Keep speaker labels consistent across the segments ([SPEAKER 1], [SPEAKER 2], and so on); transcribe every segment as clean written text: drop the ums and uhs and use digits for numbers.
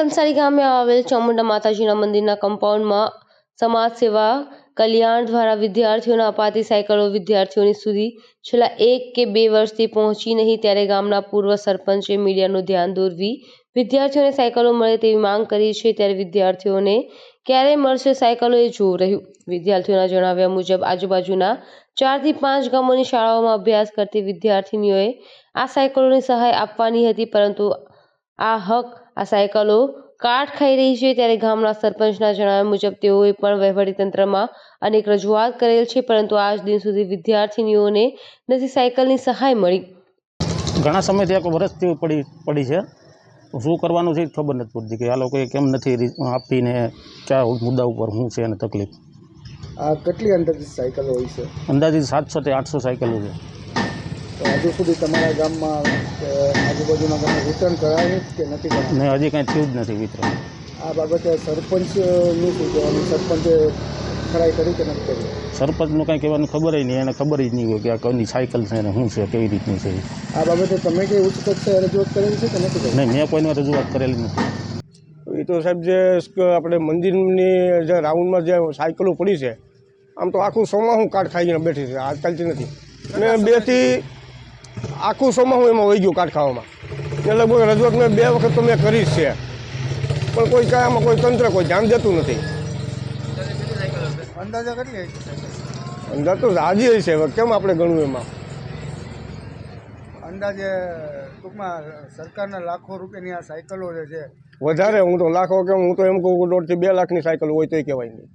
[SPEAKER 1] કંસારી ગામે આવેલ ચામુંડા માતાજીના મંદિરના કમ્પાઉન્ડમાં સમાજ સેવા કલ્યાણ દ્વારા વિદ્યાર્થીઓને અપાતી સાયકલો વિદ્યાર્થીઓની સુધી છેલ્લા 1 કે 2 વર્ષથી પહોંચી નહીં, ત્યારે ગામના પૂર્વ સરપંચે મીડિયાનું ધ્યાન દોરવી વિદ્યાર્થીઓને સાયકલો મળે તેવી માંગ કરી છે। ત્યારે વિદ્યાર્થીઓને ક્યારે મળશે સાયકલો એ જોવું રહ્યું। વિદ્યાર્થીઓના જણાવ્યા મુજબ આજુબાજુના 4 થી 5 ગામોની શાળાઓમાં અભ્યાસ કરતી વિદ્યાર્થીનીઓએ આ સાયકલોની સહાય આપવાની હતી, પરંતુ આ સાયકલો કાટ ખાઈ રહી છે। ત્યારે ગામના સરપંચના જણાવ્યા મુજબ તેઓએ પણ વહીવટીતંત્રમાં અનેક રજૂઆત કરેલ છે, પરંતુ આજ દિન સુધી વિદ્યાર્થીનીઓને નથી સાયકલની સહાય મળી।
[SPEAKER 2] ઘણા સમયથી એક વર્ષથી પડી છે, શું કરવાનું છે ખબર નથી પડતી કે આ લોકોએ કેમ નથી આપીને કયા મુદ્દા ઉપર શું છે અને તકલીફ।
[SPEAKER 3] આ કેટલી અંદાજિત સાયકલો હોય છે?
[SPEAKER 2] અંદાજિત 700 થી 800 સાયકલો છે।
[SPEAKER 3] તો હજુ સુધી તમારા ગામમાં આજુબાજુના ગામમાં વિતરણ કરાયું કે નથી કરાયું?
[SPEAKER 2] ને હજી કાંઈ થયું જ નથી વિતરણ।
[SPEAKER 3] આ બાબતે સરપંચનું શું કહેવાનું? સરપંચે ખરાઈ કરી કે નથી કરી?
[SPEAKER 2] સરપંચનું કાંઈ કહેવાનું ખબર નહીં, એને ખબર જ નહીં હોય કે આ કોની સાયકલ છે ને શું છે, કેવી રીતની છે।
[SPEAKER 3] આ બાબતે તમે કંઈ ઉચ્ચ કક્ષાએ રજૂઆત કરેલી છે કે નથી કરી?
[SPEAKER 2] નહીં, મેં કોઈને રજૂઆત કરેલી નથી।
[SPEAKER 4] એ તો સાહેબ જે આપણે મંદિરની જે રાઉન્ડમાં જે સાયકલો પડી છે, આમ તો આખું સોમાહું કાટ ખાઈને બેઠી છે, આજકાલથી નથી। અને 2 થી આખું સોમાહું એમાં વહી ગયું કાટ ખાવામાં। એટલે કોઈ રજૂઆત મેં 2 વખત તો મેં કરી જ છે, પણ કોઈ કાંઈ આમાં કોઈ તંત્ર કોઈ ધ્યાન દેતું નથી।
[SPEAKER 3] અંદાજા કેટલી?
[SPEAKER 4] અંદાજ તો રાજી છે, હવે કેમ આપણે ગણવું એમાં?
[SPEAKER 3] અંદાજે ટૂંકમાં સરકારના લાખો રૂપિયાની આ સાયકલો જે છે
[SPEAKER 4] વધારે, હું તો લાખો કેમ, હું તો એમ કહું 1.5 થી 2 લાખની સાયકલ હોય તોય કહેવાય નહીં।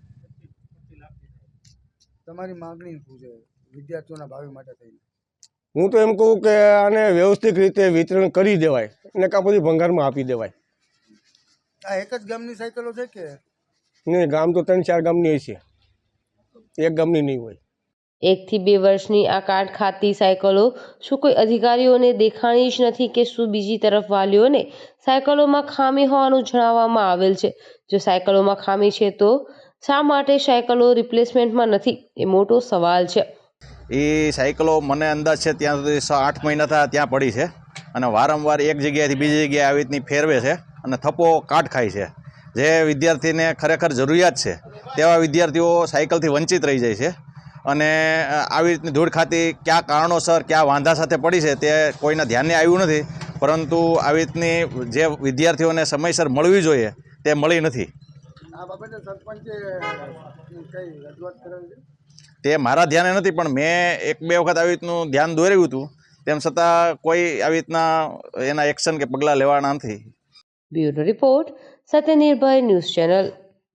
[SPEAKER 3] તમારી માગણી શું છે વિદ્યાર્થીઓના ભાવિ માટે થઈને?
[SPEAKER 4] હું તો એમ કહું કે આને વ્યવસ્થિત રીતે વિતરણ કરી દેવાય ને કાં પછી ભંગારમાં આપી દેવાય।
[SPEAKER 3] આ એક જ ગામની સાયકલો છે કે
[SPEAKER 1] નહીં,
[SPEAKER 4] ગામ તો 3-4 ગામની હોય છે, એક ગામની નહીં હોય।
[SPEAKER 1] 1 થી 2 વર્ષની આ કાટ ખાતી સાયકલો શું કોઈ અધિકારીઓને દેખાણી જ નથી કે શું? બીજી તરફ વાલીઓને સાયકલોમાં ખામી હોવાનું જણાવવામાં આવેલ છે। જો સાયકલોમાં ખામી છે તો શા માટે સાયકલો રિપ્લેસમેન્ટમાં નથી, એ મોટો સવાલ છે।
[SPEAKER 5] એ સાયકલો મને અંદાજ છે ત્યાં સુધી 8 મહિના થયા ત્યાં પડી છે, અને વારંવાર એક જગ્યાએથી બીજી જગ્યાએ આવી રીતની ફેરવે છે અને થપ્પો કાટ ખાય છે। જે વિદ્યાર્થીને ખરેખર જરૂરિયાત છે તેવા વિદ્યાર્થીઓ સાયકલથી વંચિત રહી જાય છે, અને આવી રીતની ધૂળ ખાતી કયા કારણોસર કયા વાંધા સાથે પડી છે તે કોઈના ધ્યાને આવ્યું નથી, પરંતુ આવી રીતની જે વિદ્યાર્થીઓને સમયસર મળવી જોઈએ તે મળી નથી।
[SPEAKER 3] આ બાબતે સરપંચે કઈ રજૂઆત કરેલી છે?
[SPEAKER 1] તે મારા ધ્યાને નથી, પણ મેં 1-2 વખત આવી રીતનું ધ્યાન દોર્યું હતું, તેમ છતાં કોઈ આવી રીતના એના એક્શન કે પગલાં લેવાના નથી। Bureau report, Satyanirbhay news channel.